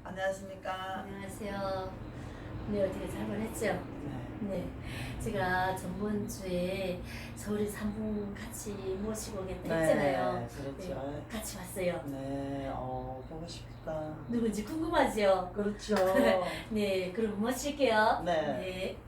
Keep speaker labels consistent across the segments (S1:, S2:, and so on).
S1: 안녕하십니까.
S2: 안녕하세요. 네, 어떻게 잘 보냈죠?
S1: 네.
S2: 네. 제가 전번주에 서울에서 한 분 같이 모시고 오겠다 했잖아요.
S1: 그렇죠.
S2: 네, 같이 왔어요.
S1: 네, 보고 싶다.
S2: 누군지 궁금하죠?
S1: 그렇죠.
S2: 네, 그럼 모실게요.
S1: 네.
S2: 네.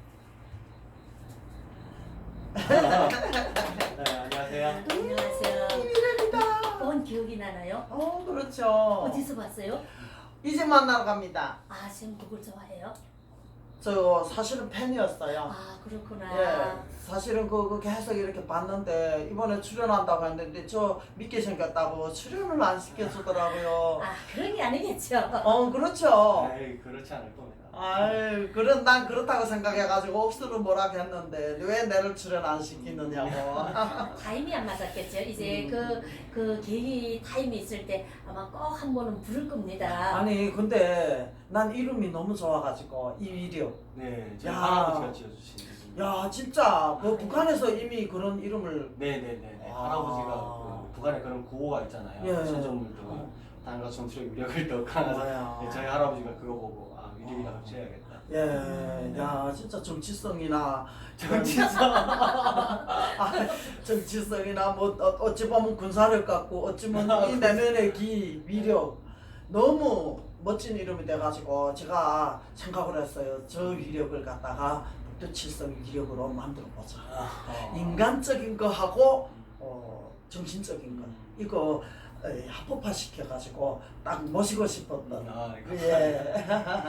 S3: 네, 안녕하세요.
S2: 안녕하세요.
S1: 미래입니다.
S2: 본 기억이 나나요?
S1: 그렇죠.
S2: 어디서 봤어요?
S1: 이제 만나러 갑니다.
S2: 아, 지금 누굴 좋아해요?
S1: 저 사실은 팬이었어요.
S2: 아, 그렇구나.
S1: 예, 사실은 그거 계속 이렇게 봤는데 이번에 출연한다고 했는데 저 믿게 생겼다고 출연을 안 시켜주더라고요.
S2: 아, 그런 게 아니겠죠?
S1: 그렇죠.
S3: 에이, 그렇지 않을 겁니다.
S1: 아유, 난 그렇다고 생각해가지고 억수로 뭐라고 했는데 왜 내를 출연 안 시키느냐고.
S2: 타임이 안 맞았겠죠. 이제 그 계기 타임이 있을 때 아마 꼭 한 번은 부를 겁니다.
S1: 아니 근데 난 이름이 너무 좋아가지고 이위력.
S3: 네, 저희
S1: 야.
S3: 할아버지가 지어주신 이름.
S1: 야 진짜 그 북한에서 이미 그런 이름을.
S3: 네네네.
S1: 아.
S3: 할아버지가 그 북한에 그런 구호가 있잖아요.
S1: 예.
S3: 신조물도 단과 정치력 위력을 더 강하다.
S1: 뭐야.
S3: 네, 저희 할아버지가 그거 보고 위력이라고 지어야겠다.
S1: 예, 야 진짜 정치성이나
S3: 정치성.
S1: 정치성이나 뭐 어찌 보면 군사력 같고 어찌 보면 이 내면의 위력 너무 멋진 이름이 돼가지고 제가 생각을 했어요. 저 위력을 갖다가 북두칠성 위력으로 만들어 보자. 인간적인 거 하고 정신적인 거 이거 합법화 시켜가지고 딱 모시고 싶었던. 예.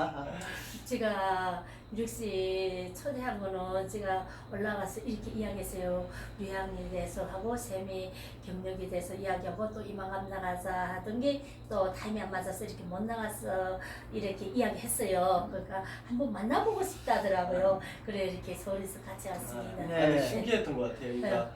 S2: 제가 유력씨 초대한 거는 제가 올라가서 이렇게 이야기했어요. 유학에 대해서 하고 쌤이 경력에 대해서 이야기하고 또 이만감 나가자 하던 게 또 타임이 안 맞아서 이렇게 못 나가서 이렇게 이야기했어요. 그러니까 한번 만나보고 싶다더라고요. 그래 이렇게 서울에서 같이 왔습니다.
S1: 네.
S3: 신기했던 것 같아요. 그러니까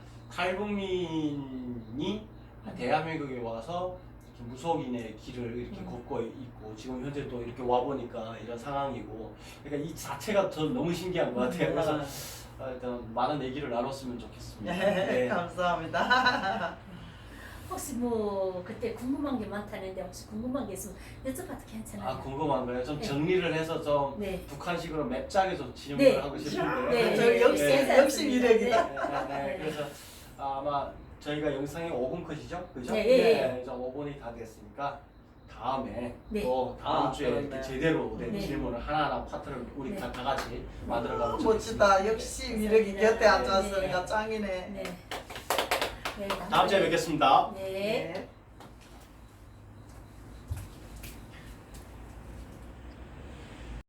S3: 탈북민이 대한민국에 와서 이렇게 무속인의 길을 이렇게 걷고 있고 지금 현재 또 이렇게 와 보니까 이런 상황이고, 그러니까 이 자체가 전 너무 신기한 것 같아요. 그래서 일단 많은 얘기를 나눴으면 좋겠습니다. 네.
S1: 감사합니다.
S2: 혹시 뭐 그때 궁금한 게 많다는데 혹시 궁금한 게 있으면 여쭤봐도 괜찮아요?
S3: 궁금한 거예요. 좀
S2: 네.
S3: 정리를 해서 좀
S2: 네.
S3: 북한식으로 맵작에 좀 질문을
S2: 네.
S3: 하고 싶은데.
S2: 네.
S1: 저 역시
S2: 네.
S1: 역시 미래이다.
S3: 네. 그래서 아마 저희가 영상이 5분 컷이죠, 그죠?
S2: 네, 예, 예.
S3: 이제 5분이 다 됐으니까 다음에
S2: 네.
S3: 또 다음 주에
S1: 그렇네.
S3: 이렇게 제대로 된
S2: 네.
S3: 질문을 하나하나 파트를 우리
S2: 네.
S3: 다 같이 만들어가면
S1: 멋지다. 역시 미래이 곁에 앉았으니까
S2: 네.
S1: 짱이네.
S2: 네. 네.
S3: 다음 주에 뵙겠습니다.
S2: 네.
S1: 네.